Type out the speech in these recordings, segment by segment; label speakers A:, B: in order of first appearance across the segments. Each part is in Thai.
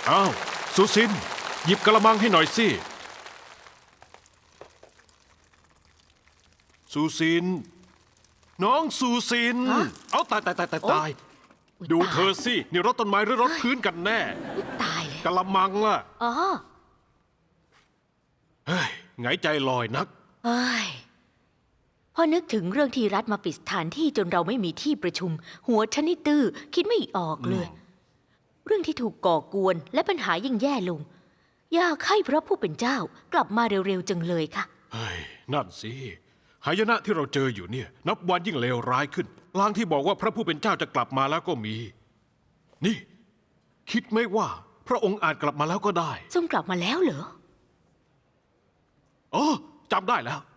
A: อ้าวสุซินหยิบกระมังให้หน่อยสิสุซินน้องสุซินเอาตายดูเธอสินี่รถต้นไม้หรือรถพื้นกันแน่
B: ตายเลย
A: กระมังล่ะ
B: อ๋อ
A: เฮ้ยไงใจลอยนัก
B: เอ้ยพอนึกถึงเรื่องที่รัฐมาปิดสถานที่จนเราไม่มีที่ประชุมหัวฉันนี่ตื้อคิดไม่ออกเลยเรื่องที่ถูกก่อกวนและปัญหายิ่งแย่ลงอยากให้พระผู้เป็นเจ้ากลับมาเร็วๆจังเลยค่ะ
A: เฮ้ยนั่นสิหายนะที่เราเจออยู่เนี่ยนับวันยิ่งเลวร้ายขึ้นลางที่บอกว่าพระผู้เป็นเจ้าจะกลับมาแล้วก็มีนี่คิดไหมว่าพระองค์อาจกลับมาแล้วก็ได้
B: ทรงกลับมาแล้วเหรอ
A: อ๋อจำได้แล้ว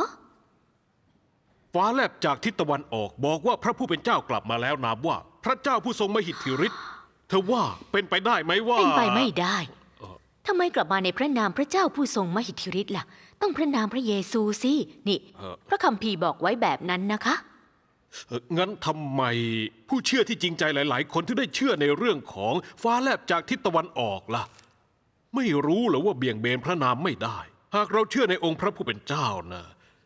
A: ฟ้าแลบจากทิศตะวันออกบอกว่าพระผู้เป็นเจ้ากลับมาแล้วนามว่าพระเจ้าผู้ทรงมหิทธิฤทธิ์เธอว่าเป็นไปได้ไหมว่า
B: เป็นไปไม่ได้ทำไมกลับมาในพระนามพระเจ้าผู้ทรงมหิทธิฤทธิ์ล่ะต้องพระนามพระเยซูสินี่พระคัมภีร์บอกไว้แบบนั้นนะคะ
A: งั้นทำไมผู้เชื่อที่จริงใจหลายๆคนที่ได้เชื่อในเรื่องของฟ้าแลบจากทิศตะวันออกล่ะไม่รู้หรือว่าเบี่ยงเบนพระนามไม่ได้หากเราเชื่อในองค์พระผู้เป็นเจ้านะ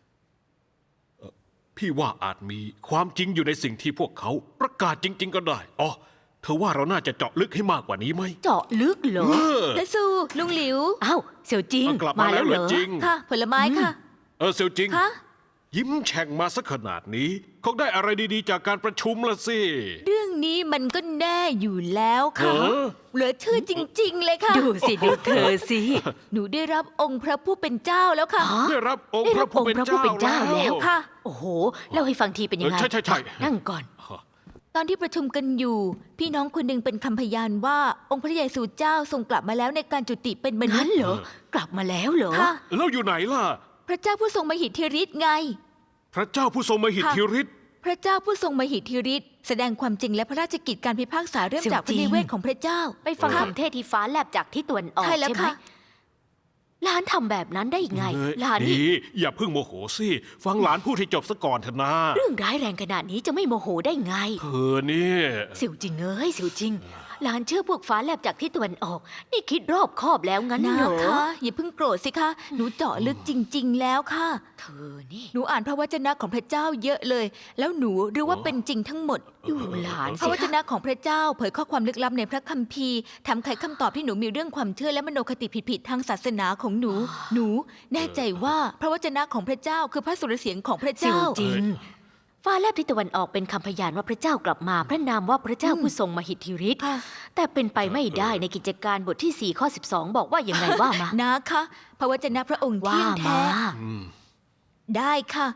A: พี่ว่าอาจมีความจริงอยู่ในสิ่งที่พวกเขาประกาศจริงๆก็ได้อ๋อเธอว่าเราน่าจะเจาะลึกให้มากกว่านี้ไหม
B: เจาะลึกเหรอ
C: และซูลุงหลิว
B: อ้าวเสี่ยวจิง
A: มาแล้วเหรอจริง
C: ค่ะผลไม้ค่ะ
A: เสี่ยวจิง
C: คะ
A: ยิ้มแฉ่งมาสักขนาดนี้คงได้อะไรดีๆจากการประชุมละสิ
C: เรื่องนี้มันก็แน่อยู่แล้วค่ะเหลือชื่อจริงๆเลยค่ะ
B: ดูสิดูเธอสิ
C: หนูได้รับองค์พระผู้เป็นเจ้าแล้วค่ะ
A: ได้รับองค์พระผู้เป็นเจ้า
B: แล้วค่ะโอ้โหเล่าให้ฟังทีเป็นยังไง
A: ใช่
B: นั่งก่อน
C: ตอนที่ประชุมกันอยู่พี่น้องคนหนึ่งเป็นคำพยานว่าองค์พระเยซูเจ้าทรงกลับมาแล้วในการจุติเป็นมนุษย์
B: เหรอกลับมาแล้วเหรอ
C: ค่ะ
A: แล้วอยู่ไหนล่ะ
C: พระเจ้าผู้ทรงมหิทธิฤทธิ์ไง
A: พระเจ้าผู้ทรงมหิทธิฤทธิ์
C: พระเจ้าผู้ทรงมหิทธิฤทธิ์แสดงความจริงและพระราชกิจการพิพากษาเริ่มจากพระนิเวศของพระเจ้า
B: ไปฟังคำเทศที่ฟ้าแลบจากที่ตะวันออกใช่ไหมหลานทำแบบนั้นได้ไงหลานนี่
A: อย่าเพิ่งโมโหสิฟังหลานพูดให้จบซะก่อนเถอะนะ
B: เรื่องร้ายแรงขนาดนี้จะไม่โมโหได้ไง
A: เธอนี่
B: เสี่ยวจริงเสี่ยวจริงหลานเชื่อพวกฟ้าแลบจากที่ตะวันออกนี่คิดรอบคอบแล้วงั้นเหรอ
C: คะอย่าเพิ่งโกรธสิคะหนูเจาะลึกจริงๆแล้วค่ะ
B: เธอนี่
C: หนูอ่านพระวจนะของพระเจ้าเยอะเลยแล้วหนูรู้ว่าเป็นจริงทั้งหมด
B: ดูหลาน
C: พระวจนะของพระเจ้าเผยข้อความลึกลับในพระคัมภีร์ทำไขคำตอบที่หนูมีเรื่องความเชื่อและมโนคติผิดๆทางศาสนาของหนูแน่ใจว่าพระวจนะของพระเจ้าคือพระสุรเสียงของพระเจ้า
B: จริงฟ้าแลบทิศตะวันออกเป็นคำพยานว่าพระเจ้ากลับมาพระนามว่าพระเจ้าผู้ทรงมหิทธิฤทธิ์แต่เป็นไปไม่ได้ในกิจการบทที่4ข้อ12บอกว่าอย่างไรว่ามา
C: นะคะพระวจนะพระองค์เที่ยงแท้ได้ค่ะ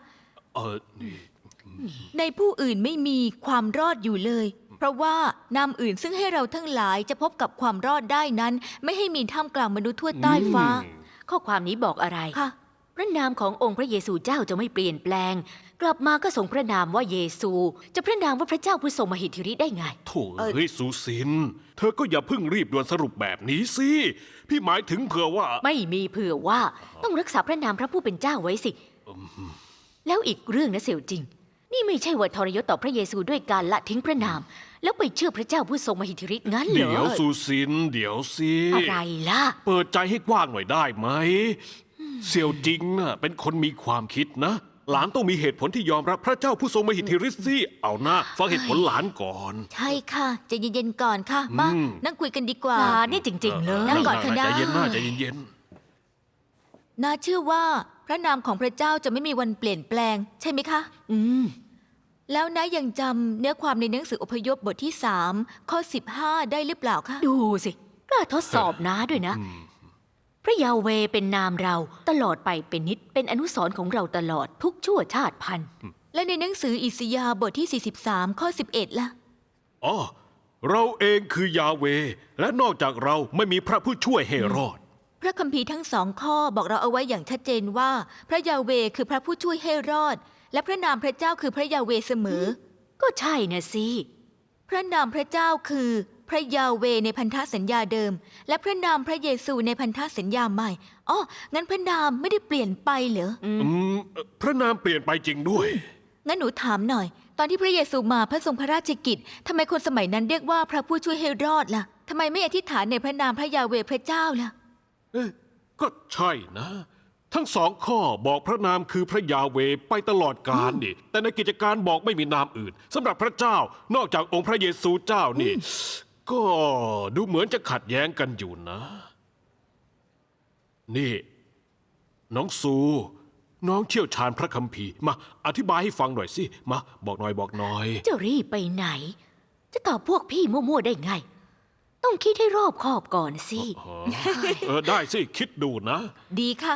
C: ในผู้อื่นไม่มีความรอดอยู่เลยเพราะว่านามอื่นซึ่งให้เราทั้งหลายจะพบกับความรอดได้นั้นไม่ให้มีท่ามกลางมนุษย์ทั่วใต้ฟ้า
B: ข้อความนี้บอกอะไร
C: ค่ะ
B: พระนามขององค์พระเยซูเจ้าจะไม่เปลี่ยนแปลงกลับมาก็ทรงพระนามว่าเยซูจะพระนามว่าพระเจ้าผู้ทรงมหิทธิฤทธิ์ได้ไง
A: โถ่สุซินเธอก็อย่าเพิ่งรีบด่วนสรุปแบบนี้สิพี่หมายถึงเผื่อว่า
B: ไม่มีเผื่อว่าต้องรักษาพระนามพระผู้เป็นเจ้าไว้สิแล้วอีกเรื่องนะเสี่ยวจริงนี่ไม่ใช่ว่าทรยศต่อพระเยซูด้วยการละทิ้งพระนามแล้วไปเชื่อพระเจ้าผู้ทรงมหิทธิฤทธิ์งั้นเหรอ
A: เดี๋ยวสุซินเดี๋ยวสิ
B: อะไรล่ะ
A: เปิดใจให้กว้างหน่อยได้ไหมเสี่ยวจริงน่ะเป็นคนมีความคิดนะหลานต้องมีเหตุผลที่ยอมรับพระเจ้าผู้ทรงมหิทธิฤทธิ์สิเอาหน้าฟังเหตุผลหลานก่อน
C: ใช่ค่ะใจเย็นๆก่อนค่ะมานั่งคุยกันดีกว่า
B: นี่จริงๆเลย
C: นั่งก่อนค่ะ
A: ใจเย็นใจเย็น
C: น่าเชื่อว่าพระนามของพระเจ้าจะไม่มีวันเปลี่ยนแปลงใช่ไหมคะแล้วนะยังจำเนื้อความในหนังสืออพยพบทที่3ข้อ15ได้หรือเปล่าคะ
B: ดูสิกล้าทดสอบน้าด้วยนะพระยาเวเป็นนามเราตลอดไปเป็นนิจเป็นอนุสรณ์ของเราตลอดทุกชั่วชาติพันธุ์
C: และในหนังสืออิสยาห์บทที่43ข้อ11ล่ะ
A: อ๋อเราเองคือยาเวและนอกจากเราไม่มีพระผู้ช่วยให้รอด
C: พระคัมภีร์ทั้ง2ข้อบอกเราเอาไว้อย่างชัดเจนว่าพระยาเวคือพระผู้ช่วยให้รอดและพระนามพระเจ้าคือพระยาเวเสมอ
B: ก็ใช่นะสิ
C: พระนามพระเจ้าคือพระยาเวในพันธสัญญาเดิมและพระนามพระเยซูในพันธสัญญาใหม่อ๋องั้นพระนามไม่ได้เปลี่ยนไปเหรอ
A: พระนามเปลี่ยนไปจริงด้วย
C: งั้นหนูถามหน่อยตอนที่พระเยซูมาพระทรงพระราชกิจทำไมคนสมัยนั้นเรียกว่าพระผู้ช่วยให้รอดล่ะทำไมไม่อธิษฐานในพระนามพระยาเวห์พระเจ้าล่ะ
A: เอ๊ะก็ใช่นะ ทั้งสองข้อบอกพระนามคือพระยาเวห์ไปตลอดกาลนี่ แต่ในกิจการบอกไม่มีนามอื่นสำหรับพระเจ้านอกจากองค์พระเยซูเจ้านี่ ก็ดูเหมือนจะขัดแย้งกันอยู่นะ นี่ น้องซู น้องเชี่ยวชาญพระคัมภีร์มาอธิบายให้ฟังหน่อยสิมาบอกหน่อยบอกหน่อย
B: จะรีบไปไหน จะตอบพวกพี่มั่วๆได้ไง ต้องคิดให้รอบคอบก่อนสิ
A: ได้สิคิดดูนะ
C: ดีค่ะ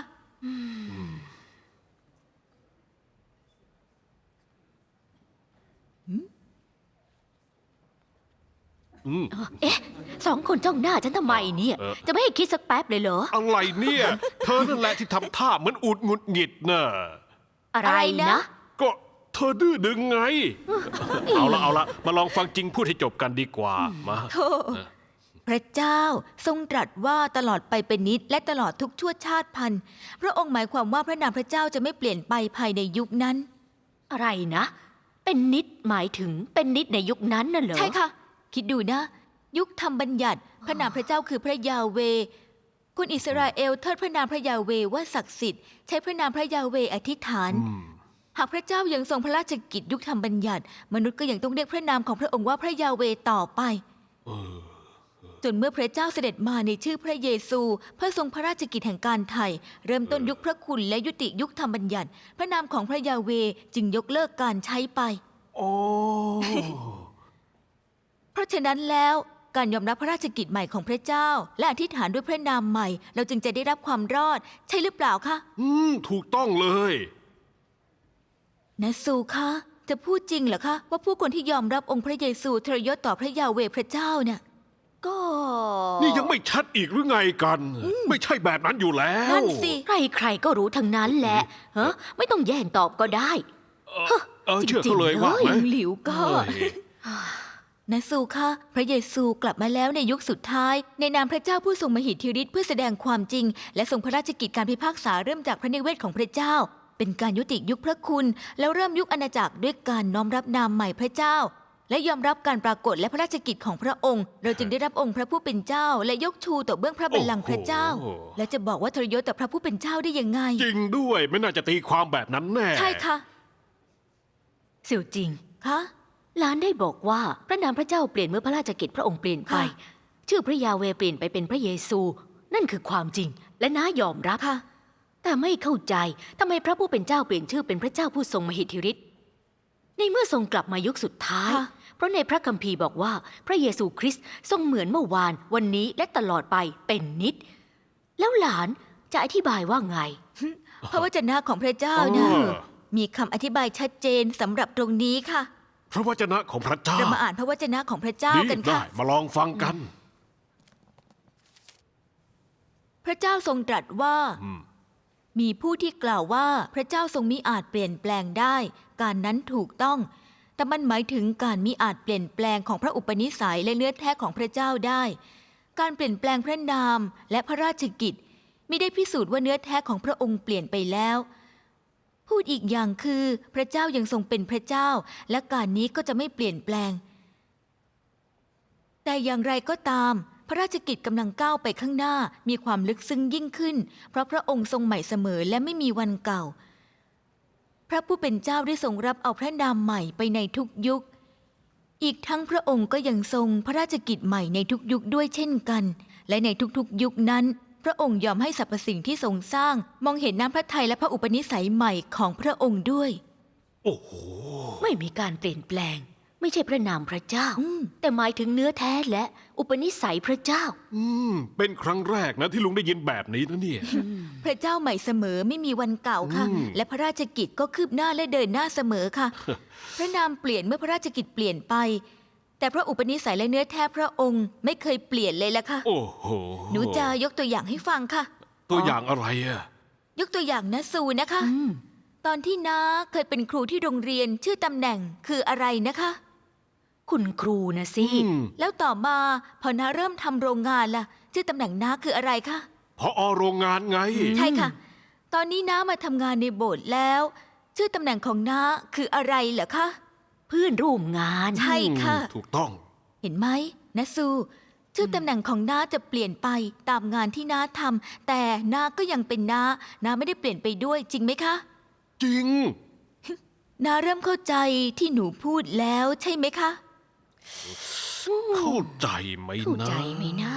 B: เอ๊ะสองคนจ้องหน้าฉันทำไมเนี่ย จะไม่ให้คิดสักแป๊บเลยเหรอ
A: อะไรเนี่ย เธอนั่นแหละที่ทำท่าเหมือนอุดหงุดหงิดน่ะ
B: อะไร
C: อะไร
B: นะ
C: นะ
A: ก็เธอดื้อดึงไง เอาละมาลองฟังจริงพูดให้จบกันดีกว่ามา
C: โธ่พระเจ้าทรงตรัสว่าตลอดไปเป็นนิจและตลอดทุกชั่วชาติพันธุ์พระองค์หมายความว่าพระนามพระเจ้าจะไม่เปลี่ยนไปภายในยุคนั้น
B: อะไรนะ เป็นนิดหมายถึงเป็นนิดในยุคนั้นน่ะเหรอ
C: ใช่ค่ะ คิดดูนะ ยุคธรรมบัญญัติ พระนามพระเจ้าคือพระยาเวห์คนอิสราเอลเทิดพระนามพระยาเวห์ว่าศักดิ์สิทธิ์ใช้พระนามพระยาเวห์อธิษฐาน หากพระเจ้ายังทรงพระราชกิจยุคธรรมบัญญัติ มนุษย์ก็ยังต้องเรียกพระนามของพระองค์ว่าพระยาเวห์ต่อไป จนเมื่อพระเจ้าเสด็จมาในชื่อพระเยซู เพื่อทรงพระราชกิจแห่งการไถ่เริ่มต้นยุคพระคุณและยุติยุคธรรมบัญญัติ พระนามของพระยาเวห์จึงยกเลิกการใช้ไป
A: โอ้
C: เพราะฉะนั้นแล้วการยอมรับพระราชกิจใหม่ของพระเจ้า และอธิษฐานด้วยพระนามใหม่ เราจึงจะได้รับความรอด ใช่หรือเปล่าคะ
A: ถูกต้องเลย
C: นะซูคะจะพูดจริงเหรอคะว่าผู้คนที่ยอมรับองค์พระเยซูทรยศต่อพระยาเวห์พระเจ้าเนี่ย
B: ก็
A: นี่ยังไม่ชัดอีกหรือไงกัน ไม่ใช่แบบนั้นอยู่แล้ว
C: นั่นสิ
B: ใครๆก็รู้ทั้งนั้นแหละฮะไม่ต้องแย่งตอบก็ได้
A: เชื่อเขาเลยว่า
B: จริงๆ
A: ไหม
C: หลิวก็
A: เฮ้ย
C: นะซูคะพระเยซูกลับมาแล้วในยุคสุดท้าย ในนามพระเจ้าผู้ทรงมหิทธิฤทธิ์เพื่อแสดงความจริง และทรงพระราชกิจการพิพากษาเริ่มจากพระนิเวศของพระเจ้า เป็นการยุติยุคพระคุณ แล้วเริ่มยุคอาณาจักรด้วยการน้อมรับนามใหม่พระเจ้า และยอมรับการปรากฏและพระราชกิจของพระองค์ เราจึงได้รับองค์พระผู้เป็นเจ้า และยกชูต่อเบื้องพระบัลลังก์พระเจ้า
A: โอ้โห
C: และจะบอกว่าทรยศต่อพระผู้เป็นเจ้าได้ยังไง
A: จริงด้วยไม่น่าจะตีความแบบนั้นแน่
C: ใช่ค่ะ
B: เสี่ยวจริง
C: คะ
B: หลานได้บอกว่าพระนามพระเจ้าเปลี่ยนเมื่อพระราชกิจพระองค์เปลี่ยนไป
C: ค่ะ
B: ชื่อพระยาเวห์เปลี่ยนไปเป็นพระเยซู นั่นคือความจริง และน้ายอมรับ
C: ค่ะ
B: แต่ไม่เข้าใจทำไมพระผู้เป็นเจ้าเปลี่ยนชื่อเป็นพระเจ้าผู้ทรงมหิทธิฤทธิ์ในเมื่อทรงกลับมายุคสุดท้าย
C: ค่ะ
B: เพราะในพระคัมภีร์บอกว่าพระเยซูคริสต์ทรงเหมือนเมื่อวานวันนี้และตลอดไปเป็นนิจแล้วหลานจะอธิบายว่าไง
C: พระวจนะของพระเจ้านะมีคำอธิบายชัดเจนสำหรับตรงนี้ค่ะ
A: พระวจนะของพระเจ้า
C: เรามาอ่านพระวจนะของพระเจ้า
A: ดี
C: กัน
A: ได้
C: ค่ะ
A: มาลองฟังกัน
C: พระเจ้าทรงตรัสว่า มีผู้ที่กล่าวว่าพระเจ้าทรงมิอาจเปลี่ยนแปลงได้ การนั้นถูกต้อง แต่มันหมายถึงการมิอาจเปลี่ยนแปลงของพระอุปนิสัยและเนื้อแท้ของพระเจ้าได้ การเปลี่ยนแปลงพระนามและพระราชกิจมิได้พิสูจน์ว่าเนื้อแท้ของพระองค์เปลี่ยนไปแล้ว พูดอีกอย่างคือพระเจ้ายังทรงเป็นพระเจ้า และการนี้ก็จะไม่เปลี่ยนแปลง แต่อย่างไรก็ตาม พระราชกิจกำลังก้าวไปข้างหน้ามีความลึกซึ้งยิ่งขึ้น เพราะพระองค์ทรงใหม่เสมอและไม่มีวันเก่า พระผู้เป็นเจ้าได้ทรงรับเอาพระนามใหม่ไปในทุกยุค อีกทั้งพระองค์ก็ยังทรงพระราชกิจใหม่ในทุกยุคด้วยเช่นกัน และในทุกๆยุคนั้น พระองค์ยอมให้สรรพสิ่งที่ทรงสร้างมองเห็นน้ำพระทัยและพระอุปนิสัยใหม่ของพระองค์ด้วย
A: โอ้โห
B: ไม่มีการเปลี่ยนแปลง ไม่ใช่พระนามพระเจ้า แต่หมายถึงเนื้อแท้และอุปนิสัยพระเจ้า
A: เป็นครั้งแรกนะที่ลุงได้ยินแบบนี้นะเนี่ย
C: พระเจ้าใหม่เสมอไม่มีวันเก่าค่ะ และพระราชกิจก็คืบหน้าและเดินหน้าเสมอค่ะ พระนามเปลี่ยนเมื่อพระราชกิจเปลี่ยนไป แต่พระอุปนิสัยและเนื้อแท้พระองค์ไม่เคยเปลี่ยนเลยละค่ะ
A: โอ้โห
C: หนูจะยกตัวอย่างให้ฟังค่ะ
A: ตัวอย่างอะไรอะ
C: ยกตัวอย่างนะซูนะคะ ตอนที่น้าเคยเป็นครูที่โรงเรียนชื่อตำแหน่งคืออะไรนะคะ
B: คุณครูนะสิ
C: แล้วต่อมาพอน้าเริ่มทำโรงงานล่ะ ชื่อตำแหน่งน้าคืออะไรคะ
A: พอโรงงานไง
C: ใช่ค่ะ ตอนนี้น้ามาทำงานในโบสถ์แล้ว ชื่อตำแหน่งของน้าคืออะไรเหรอคะ
B: เพื่อนร่วมงาน
C: ใช่ค่ะ
A: ถูกต้อง
C: เห็นไหมนะซูชื่อตำแหน่งของน้าจะเปลี่ยนไปตามงานที่น้าทำแต่น้าก็ยังเป็นน้าไม่ได้เปลี่ยนไปด้วยจริงไหมคะ
A: จริง
C: น้าเริ่มเข้าใจที่หนูพูดแล้วใช่ไหมคะ
A: เข้าใจไหม
B: เข้า
A: นะ
B: ใจไหมนะ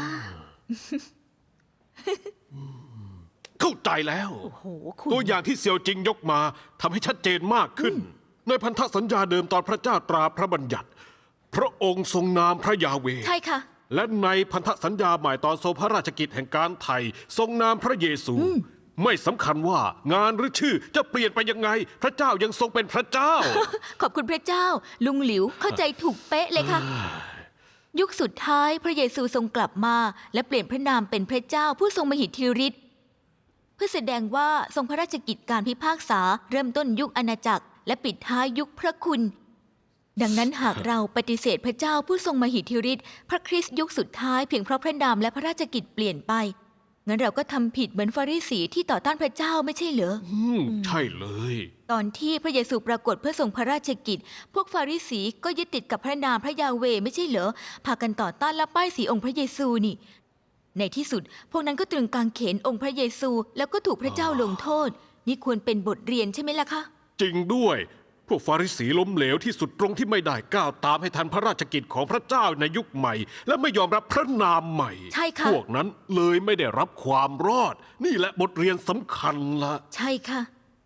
A: เข้าใจแล้ว
B: โอ้โหคุณ
A: ตัวอย่างที่เซียวจิงยกมาทำให้ชัดเจนมากขึ้น ในพันธสัญญาเดิมตอนพระเจ้าตราพระบัญญัติ พระองค์ทรงนามพระยาเวห์
C: ใช่ค่ะ
A: และในพันธสัญญาใหม่ตอนทรงพระราชกิจแห่งการไถ่ทรงนามพระเยซู ไม่สำคัญว่างานหรือชื่อจะเปลี่ยนไปยังไง พระเจ้ายังทรงเป็นพระเจ้า
C: ขอบคุณพระเจ้า ลุงหลิวเข้าใจถูกเป๊ะเลยค่ะ ยุคสุดท้ายพระเยซูทรงกลับมา และเปลี่ยนพระนามเป็นพระเจ้าผู้ทรงมหิทธิฤทธิ์เพื่อแสดงว่าทรงพระราชกิจการพิพากษาเริ่มต้นยุคอาณาจักร และปิดท้ายยุคพระคุณ ดังนั้นหากเราปฏิเสธพระเจ้าผู้ทรงมหิทธิฤทธิ์พระคริสต์ยุคสุดท้ายเพียงเพราะพระนามและพระราชกิจเปลี่ยนไปงั้นเราก็ทำผิดเหมือนฟาริสีที่ต่อต้านพระเจ้าไม่ใช่เหรอ
A: ใช่เลย
C: ตอนที่พระเยซูปรากฏเพื่อทรงพระราชกิจ พวกฟาริสีก็ยึดติดกับพระนามพระยาเวห์ไม่ใช่เหรอ พากันต่อต้านและป้ายสีองค์พระเยซูนี่ ในที่สุด พวกนั้นก็ตรึงกางเขนองค์พระเยซู แล้วก็ถูกพระเจ้าลงโทษ นี่ควรเป็นบทเรียนใช่ไหมล่ะคะ
A: จริงด้วย พวกฟาริสีล้มเหลวที่สุดตรงที่ไม่ได้ก้าวตามให้ทันพระราชกิจของพระเจ้าในยุคใหม่ และไม่ยอมรับพระนามใหม่
C: ใช่ค่ะ
A: พวกนั้นเลยไม่ได้รับความรอด นี่แหละบทเรียนสำคัญละ
C: ใช่ค่ะ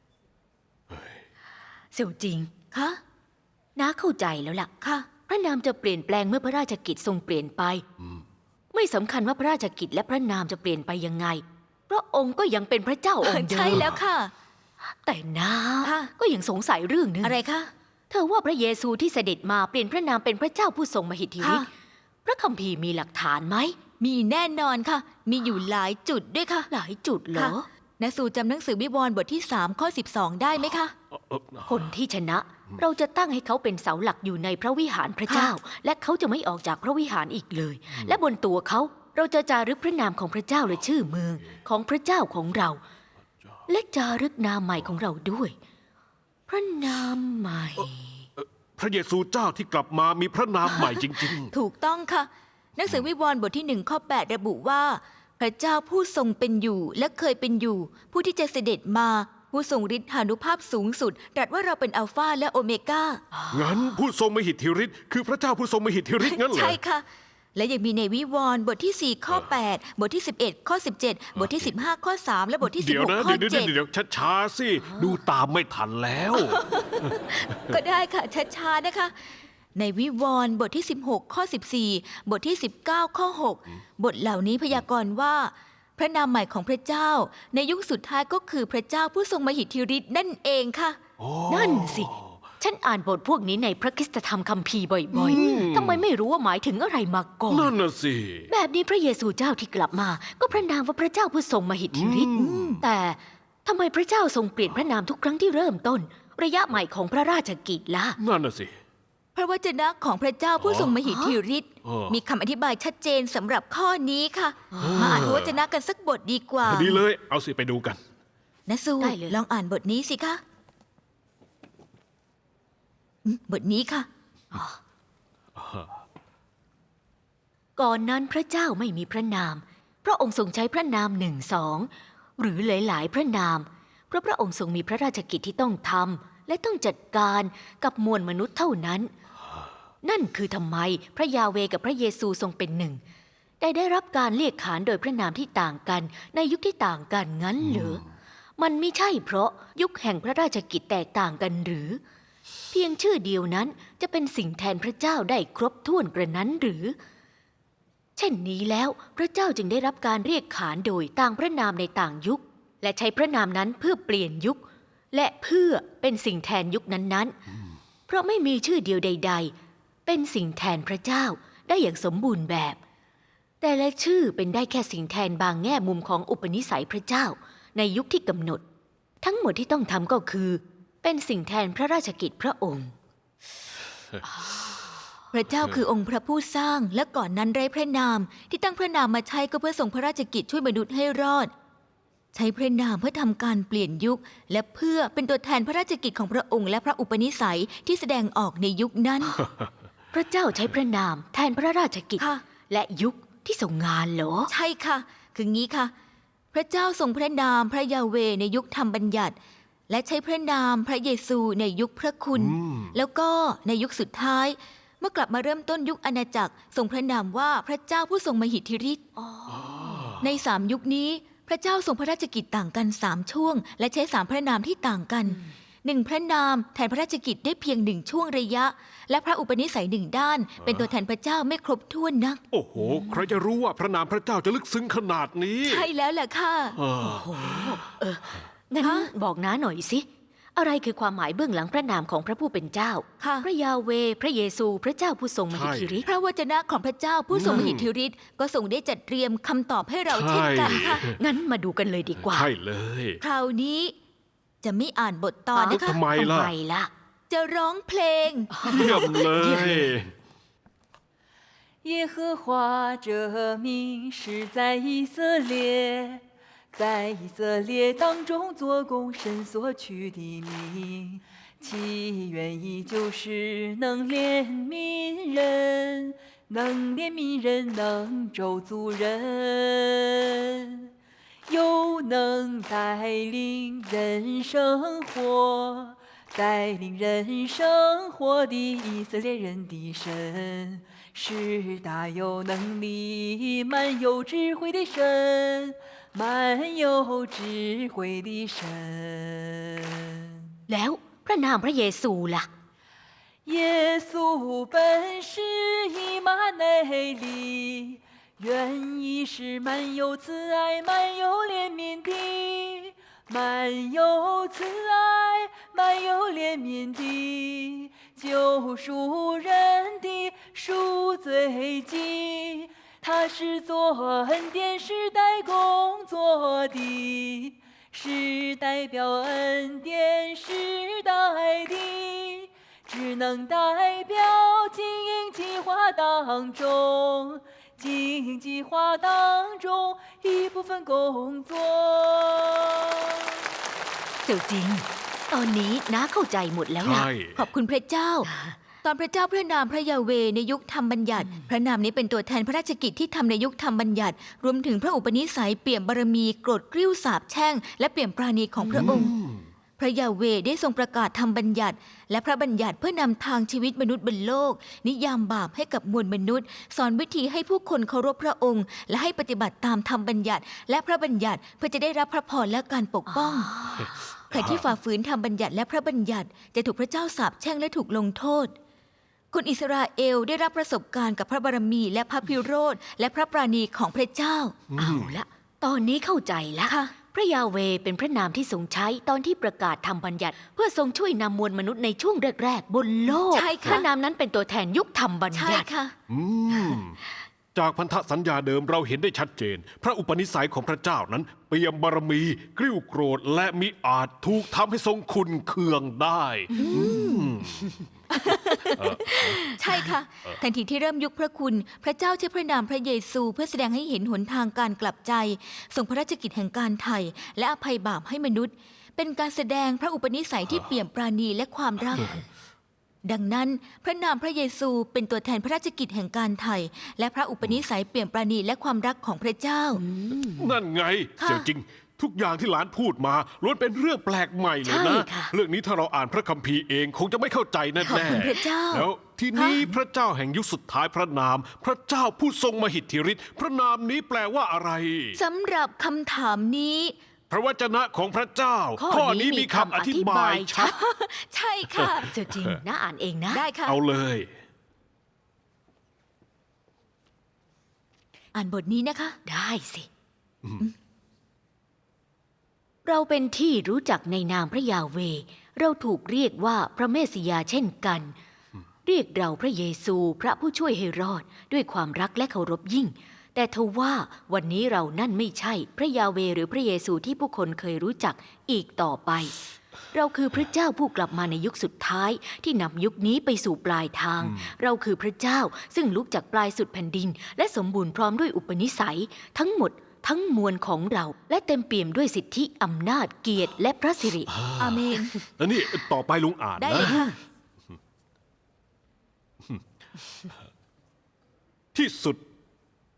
B: เสี่ยวจริง
C: คะ
B: น้าเข้าใจแล้วล่ะ
C: ค่ะ
B: พระนามจะเปลี่ยนแปลงเมื่อพระราชกิจทรงเปลี่ยนไป ไม่สำคัญว่าพระราชกิจและพระนามจะเปลี่ยนไปยังไง พระองค์ก็ยังเป็นพระเจ้าองค์เดิม
C: ใช่แล้วค่ะ
B: แต่น้า
C: ค่ะ
B: ก็ยังสงสัยเรื่องหนึง
C: อะไรคะ
B: เธอว่าพระเยซูที่เสด็จมาเปลี่ยนพระนามเป็นพระเจ้าผู้ทรงมหิทธิฤทธิ์
C: ค่ะ
B: พระคัมภีร์มีหลักฐานไหม
C: มีแน่นอนค่ะ มีอยู่หลายจุดด้วยค่ะ
B: หลายจุดเหร
C: ค่ะ
B: อ
C: นสูจำหนังสือวิวรณ์บทที่ 3 ข้อ 12 ได้ไหมคะ
B: คนที่ชนะ เราจะตั้งให้เขาเป็นเสาหลักอยู่ในพระวิหารพระเจ้า และเขาจะไม่ออกจากพระวิหารอีกเลย และบนตัวเขาเราจะจารึกพระนามของพระเจ้าและชื่อเมืองของพระเจ้าของเรา และจารึกนามใหม่ของเราด้วย พระนามใหม่
A: พระเยซูเจ้าที่กลับมามีพระนามใหม่จริง
C: ถูกต้องค่ะ หนังสือวิวรณ์บทที่ 1 ข้อ 8 ระบุว่า พระเจ้าผู้ทรงเป็นอยู่และเคยเป็นอยู่ ผู้ที่จะเสด็จมา ผู้ทรงฤทธานุภาพสูงสุดตรัสว่าเราเป็นอัลฟาและโอเมก้า
A: ๆ งั้นผู้ทรงมหิทธิฤทธิ์คือพระเจ้าผู้ทรงมหิทธิฤทธิ์งั้นเหรอ
C: ใช่ค่ะ และยังมีในวิวรณ์บทที่ 4 ข้อ 8 บทที่ 11 ข้อ 17 บทที่ 15 ข้อ 3 และบทที่
A: เดี๋ยวนะ
C: 16 ข้อ
A: เดี๋ยวช้าๆสิ ดูตามไม่ทันแล้ว
C: 7 ก็ได้ค่ะช้าๆนะคะ ในวิวรณ์บทที่ 16 ข้อ 14 บทที่ 19 ข้อ 6 บทเหล่านี้พยากรณ์ว่า พระนามใหม่ของพระเจ้า ในยุคสุดท้ายก็คือพระเจ้าผู้ทรงมหิทธิฤทธิ์นั่นเองค่ะ
B: นั่นสิ ฉันอ่านบทพวกนี้ในพระคริสตธรรมคัมภีร์บ่อยๆ ทำไมไม่รู้ว่าหมายถึงอะไรมาก่อน
A: นั่นน่ะสิ
B: แบบนี้พระเยซูเจ้าที่กลับมา ก็พระนามว่าพระเจ้าผู้ทรงมหิทธิฤทธิ์แต่ทำไมพระเจ้าทรงเปลี่ยนพระนามทุกครั้งที่เริ่มต้น ระยะใหม่ของพระราชกิจล่ะ
A: นั่นน่ะสิ
C: พระวจนะของพระเจ้าผู้ทรงมหิทธิฤทธิ์
A: อ๋อ
C: มีคำอธิบายชัดเจนสำหรับข้อนี้ค่ะ มาอ่านพระวจนะกันสักบทดีกว่า
A: ดีเลย เอาสิไปดูกัน
C: นะสู
B: ได้เลย
C: ลองอ่านบทนี้สิคะบทนี้ค่ะ
B: ก่อนนั้นพระเจ้าไม่มีพระนาม พระองค์ทรงใช้พระนาม1 2 หรือหลายๆ พระนาม เพราะพระองค์ทรงมีพระราชกิจที่ต้องทำและต้องจัดการกับมวลมนุษย์เท่านั้น นั่นคือทำไมพระยาเวกับพระเยซูทรงเป็นหนึ่งได้รับการเรียกขานโดยพระนามที่ต่างกันในยุคที่ต่างกันงั้นเหรอมันไม่ใช่เพราะยุคแห่งพระราชกิจแตกต่างกันหรือ เพียงชื่อเดียวนั้นจะเป็นสิ่งแทนพระเจ้าได้ครบถ้วนกระนั้นหรือ เช่นนี้แล้วพระเจ้าจึงได้รับการเรียกขานโดยต่างพระนามในต่างยุค และใช้พระนามนั้นเพื่อเปลี่ยนยุค และเพื่อเป็นสิ่งแทนยุคนั้นๆ เพราะไม่มีชื่อเดียวใด ๆ เป็นสิ่งแทนพระเจ้าได้อย่างสมบูรณ์แบบ แต่ละชื่อเป็นได้แค่สิ่งแทนบางแง่มุมของอุปนิสัยพระเจ้าในยุคที่กำหนด ทั้งหมดที่ต้องทำก็คือ เป็นสิ่งแทนพระราชกิจพระองค์
C: พระเจ้าคือองค์พระผู้สร้างและก่อนนั้นไร้พระนามที่ตั้งพระนามมาใช้ก็เพื่อทรงพระราชกิจช่วยมนุษย์ให้รอด ใช้พระนามเพื่อทำการเปลี่ยนยุค และเพื่อเป็นตัวแทนพระราชกิจของพระองค์และพระอุปนิสัยที่แสดงออกในยุคนั้น
B: พระเจ้าใช้พระนามแทนพระราชกิจ
C: ค่ะ
B: และยุคที่ทรงงานเหรอ
C: ใช่ค่ะ คืองี้ค่ะ พระเจ้าทรงพระนามพระยาเวในยุคธรรมบัญญัติ และใช้พระนามพระเยซูในยุคพระคุณ แล้วก็ในยุคสุดท้าย เมื่อกลับมาเริ่มต้นยุคอาณาจักรทรงพระนามว่าพระเจ้าผู้ทรงมหิทธิฤทธิ์ใน3 ยุคนี้พระเจ้าทรงพระราชกิจต่างกัน3 ช่วง และใช้3 พระนามที่ต่างกัน1 พระนามแทนพระราชกิจได้เพียง1 ช่วงระยะ และพระอุปนิสัย1 ด้าน เป็นตัวแทนพระเจ้าไม่ครบถ้วนนัก
A: โอ้โห ใครจะรู้ว่าพระนามพระเจ้าจะลึกซึ้งขนาดนี้
C: ใช่แล้วแหละค่ะ
B: งั้น
C: ฮะ
B: บอกน้าหน่อยสิ อะไรคือความหมายเบื้องหลังพระนามของพระผู้เป็นเจ้า
C: ค่ะ
B: พระยาเว พระเยซู พระเจ้าผู้ทรงมหิทธิฤทธิ์
C: พระวจนะของพระเจ้าผู้ทรงมหิทธิฤทธิ์ก็ทรงได้จัดเตรียมคำตอบให้เราเช่นกันค่ะ
B: งั้นมาดูกันเลยดีกว่า
A: ใช่เลย
C: คราวนี้จะไม่อ่านบทตอนนะคะ
A: ทำไมล่ะ
B: ทำไมล่ะ
C: จะร้องเพลง
A: เยี่ยมเลย
D: 耶和华这名是在以色列，在以色列当中做工神所取的名，其原意就是能怜悯人，能怜悯人，能咒诅人，又能带领人生活。带领人生活的以色列人的神，是大有能力、满有智慧的神，满有智慧的神。
B: แล้วพระนามพระเยซูล่ะ
D: 耶稣本是以马内利，原意是满有慈爱、满有怜悯的。满有慈爱，满有怜悯的，救赎人的赎罪祭。他是做恩典时代工作的，是代表恩典时代的，只能代表经营计划当中。经营计划当中一部分工作。
B: เจ้าจริง ตอนนี้น้าเข้าใจหมดแล้วล่ะ
A: ใช่
C: ขอบคุณพระเจ้า ตอนพระเจ้าพระนามพระยาเวในยุคธรรมบัญญัติ พระนามนี้เป็นตัวแทนพระราชกิจที่ทำในยุคธรรมบัญญัติ รวมถึงพระอุปนิสัยเปี่ยมบารมีโกรธกริ้วสาปแช่ง และเปี่ยมปราณีของพระองค์ พระยาเวได้ทรงประกาศธรรมบัญญัติ และพระบัญญัติเพื่อนำทางชีวิตมนุษย์บนโลก นิยามบาปให้กับมวลมนุษย์ สอนวิธีให้ผู้คนเคารพพระองค์ และให้ปฏิบัติตามธรรมบัญญัติ และพระบัญญัติเพื่อจะได้รับพระพรและการปกป้อง ใครที่ฝ่าฝืนธรรมบัญญัติและพระบัญญัติจะถูกพระเจ้าสาปแช่งและถูกลงโทษ คนอิสราเอลได้รับประสบการณ์กับพระบารมีและพระพิโรธและพระปราณีของพระเจ้า
B: เอาละ ตอนนี้เข้าใจแล้ว
C: ค่ะ
B: พระยาเวเป็นพระนามที่ทรงใช้ตอนที่ประกาศธรรมบัญญัติ เพื่อทรงช่วยนำมวลมนุษย์ในช่วงแรกๆ บนโลก
C: ใช่ค่ะ
B: พระนามนั้นเป็นตัวแทนยุคธรรมบัญ
C: ใช่
B: ญัติ
C: ค่ะ
A: อืม จากพันธสัญญาเดิมเราเห็นได้ชัดเจน พระอุปนิสัยของพระเจ้านั้น เปี่ยมบารมี กริ้วโกรธและมิอาจถูกทำให้ทรงคุณเคืองได้
C: ใช่ค่ะ ทันทีที่เริ่มยุคพระคุณ พระเจ้าใช้พระนามพระเยซูเพื่อแสดงให้เห็นหนทางการกลับใจทรงพระราชกิจแห่งการไถ่และอภัยบาปให้มนุษย์ เป็นการแสดงพระอุปนิสัยที่เปี่ยมปราณีและความรัก ดังนั้นพระนามพระเยซูเป็นตัวแทนพระราชกิจแห่งการไถ่และพระอุปนิสัยเปี่ยมปราณีและความรักของพระเจ้า
A: นั่นไง
C: ค่ะ
A: เสี่ยวจริง ทุกอย่างที่หลานพูดมาล้วนเป็นเรื่องแปลกใหม่เลย
B: ใช่
A: นะ
B: ค่ะ
A: เรื่องนี้ถ้าเราอ่านพระคัมภีร์เองคงจะไม่เข้าใจแน่
C: ขอบคุณพระเจ้า
A: แล้วทีนี้พระเจ้าแห่งยุคสุดท้ายพระนาม พระเจ้าผู้ทรงมหิทธิฤทธิ์พระนามนี้แปลว่าอะไร
C: สำหรับคำถามนี้
A: พระวจนะของพระเจ้า ข้อนี้มีคำอธิบายชัด
C: ใช่ค่ะ
B: เจ้าจริงน้าอ่านเองนะ
C: ได้ค่ะ
A: เอาเลย
C: อ่านบทนี้นะคะ
B: ได้สิ เราเป็นที่รู้จักในนามพระยาเว เราถูกเรียกว่าพระเมสสิยาเช่นกัน เรียกเราพระเยซูพระผู้ช่วยให้รอดด้วยความรักและเคารพยิ่ง แต่ทว่าวันนี้เรานั่นไม่ใช่พระยาเวหรือพระเยซูที่ผู้คนเคยรู้จักอีกต่อไป เราคือพระเจ้าผู้กลับมาในยุคสุดท้ายที่นำยุคนี้ไปสู่ปลายทาง เราคือพระเจ้าซึ่งลุกจากปลายสุดแผ่นดิน และสมบูรณ์พร้อมด้วยอุปนิสัย ทั้งหมดทั้งมวลของเรา และเต็มเปี่ยมด้วยสิทธิอำนาจเกียรติและพระสิริ
C: อาเมน
A: แล้วนี่ต่อไปลุงอ่าน
C: ได้
A: นะ
C: เลยค่ะ
A: ที่สุด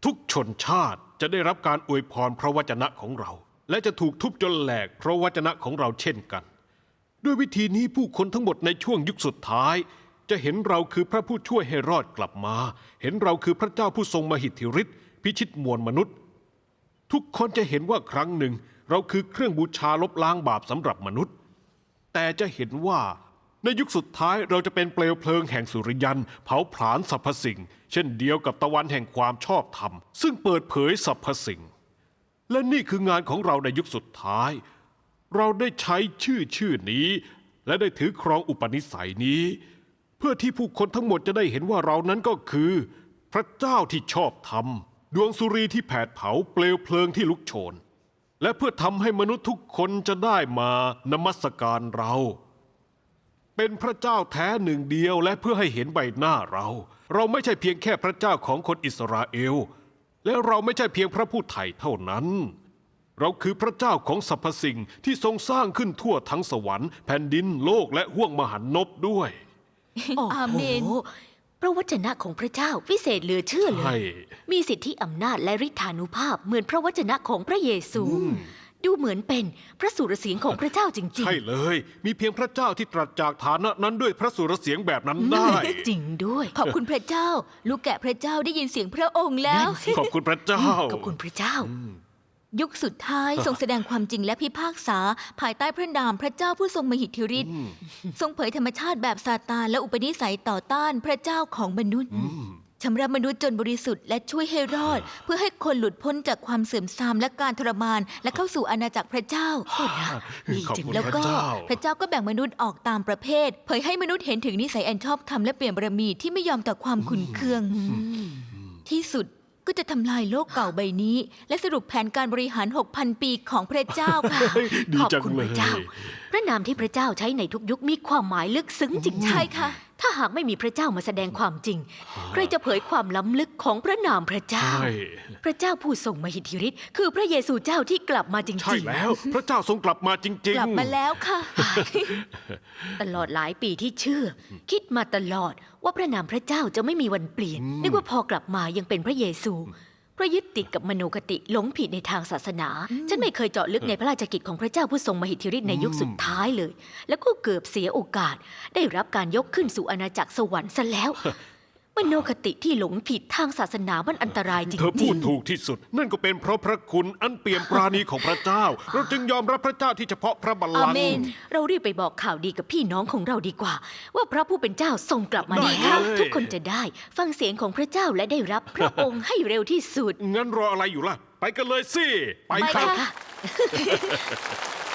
A: ทุกชนชาติจะได้รับการอวยพรพระวจนะของเรา และจะถูกทุบจนแหลกเพราะวจนะของเราเช่นกัน ด้วยวิธีนี้ผู้คนทั้งหมดในช่วงยุคสุดท้าย จะเห็นเราคือพระผู้ช่วยให้รอดกลับมา เห็นเราคือพระเจ้าผู้ทรงมหิทธิฤทธิ์พิชิตมวลมนุษย์ ทุกคนจะเห็นว่าครั้งหนึ่งเราคือเครื่องบูชาลบล้างบาปสำหรับมนุษย์ แต่จะเห็นว่าในยุคสุดท้ายเราจะเป็นเปลวเพลิงแห่งสุริยันเผาผลาญสรรพสิ่ง เช่นเดียวกับตะวันแห่งความชอบธรรม ซึ่งเปิดเผยสรรพสิ่ง และนี่คืองานของเราในยุคสุดท้าย เราได้ใช้ชื่อนี้ และได้ถือครองอุปนิสัยนี้ เพื่อที่ผู้คนทั้งหมดจะได้เห็นว่าเรานั้นก็คือ พระเจ้าที่ชอบธรรม ดวงสุรีที่แผดเผาเปลวเพลิงที่ลุกโชน และเพื่อทำให้มนุษย์ทุกคนจะได้มานมัสการเรา เป็นพระเจ้าแท้หนึ่งเดียวและเพื่อให้เห็นใบหน้าเรา เราไม่ใช่เพียงแค่พระเจ้าของคนอิสราเอล และเราไม่ใช่เพียงพระผู้ไถ่เท่านั้น เราคือพระเจ้าของสรรพสิ่งที่ทรงสร้างขึ้นทั่วทั้งสวรรค์แผ่นดินโลกและห้วงมหันนบด้วย
C: อาเมน
B: โอ้โหพระวจนะของพระเจ้าวิเศษเหลือเชื่อเล
A: ใช่
B: ย มีสิทธิอำนาจและฤทธานุภาพเหมือนพระวจนะของพระเยซู ดูเหมือนเป็นพระสุรเสียงของพระเจ้าจริง
A: ใช่เลย มีเพียงพระเจ้าที่ตรัสจากฐานะนั้นด้วยพระสุรเสียงแบบนั้นได้
B: ๆ จริงด้วย
C: ขอบคุณพระเจ้า ลูกแกะพระเจ้าได้ยินเสียงพระองค์แล้ว
A: ขอบคุณพระเจ้า
B: ขอบคุณพระเจ้า
C: ยุคสุดท้ายทรงแสดงความจริงและพิพากษา ภายใต้พระนามพระเจ้าผู้ทรงมหิทธิฤทธิ์ทรงเผยธรรมชาติแบบซาตานและอุปนิสัยต่อต้านพระเจ้าของมนุษย์ชำระมนุษย์จนบริสุทธิ์และช่วยให้รอด เพื่อให้คนหลุดพ้นจากความเสื่อมทรามและการทรมาน และเข้าสู่อาณาจักรพระเจ้า
B: ดี
A: ขอบ
B: จัง
A: คุณ
C: แล้ว
A: พระ
C: ก็
A: เจ้า
C: พระเจ้าก็แบ่งมนุษย์ออกตามประเภท เผยให้มนุษย์เห็นถึงนิสัยอันชอบธรรมและเปลี่ยนบารมีที่ไม่ยอมต่อความขุ่นเคือง ที่สุดก็จะทำลายโลกเก่าใบนี้ และสรุปแผนการบริหาร 6,000 ปีของพระเจ้าค่ะ
A: ดี
B: ขอบ
A: จัง
B: คุณ
A: เล
B: พ
A: ย
B: ระเจ้า พระนามที่พระเจ้าใช้ในทุกยุคมีความหมายลึกซึ้งจริงๆ
C: ใช่ค่ะ
B: ถ้าหากไม่มีพระเจ้ามาแสดงความจริง ใครจะเผยความล้ำลึกของพระนามพระเจ้า
A: ใช่
B: พระเจ้าผู้ทรงมหิทธิฤทธิ์คือพระเยซูเจ้าที่กลับมาจริงๆ
A: ใช่แล้ว พระเจ้าทรงกลับมาจริงๆ
C: กลับมาแล้วค่ะ
B: ตลอดหลายปีที่เชื่อ คิดมาตลอดว่าพระนามพระเจ้าจะไม่มีวันเปลี่ยนนึกว่าพอกลับมายังเป็นพระเยซูเพราะยึดติดกับมโนคติหลงผิดในทางศาสนา ฉันไม่เคยเจาะลึกในพระราชกิจของพระเจ้าผู้ทรงมหิทธิฤทธิ์ในยุคสุดท้ายเลย แล้วก็เกือบเสียโอกาส ได้รับการยกขึ้นสู่อาณาจักรสวรรค์ซะแล้ว มโนคติที่หลงผิดทางศาสนามันอันตรายจ
A: เธอ
B: ริ
A: พู
B: ง
A: ดถูกที่สุด นั่นก็เป็นเพราะพระคุณอันเปี่ยมปราณีของพระเจ้า เราจึงยอมรับพระเจ้าที่เฉพาะพระบัลลัง
C: อาเม
A: ก์
C: น
B: ๆ เรารีบไปบอกข่าวดีกับพี่น้องของเราดีกว่า ว่าพระผู้เป็นเจ้าทรงกลับมา
A: ได้
B: แล้ว
A: เลย
B: ทุกคนจะได้ฟังเสียงของพระเจ้าและได้รับพระองค์ให้เร็วที่สุด
A: งั้นรออะไรอยู่ล่ะ ไปกันเลยสิ ไป
C: ไป
A: ครับ
C: ค่ะ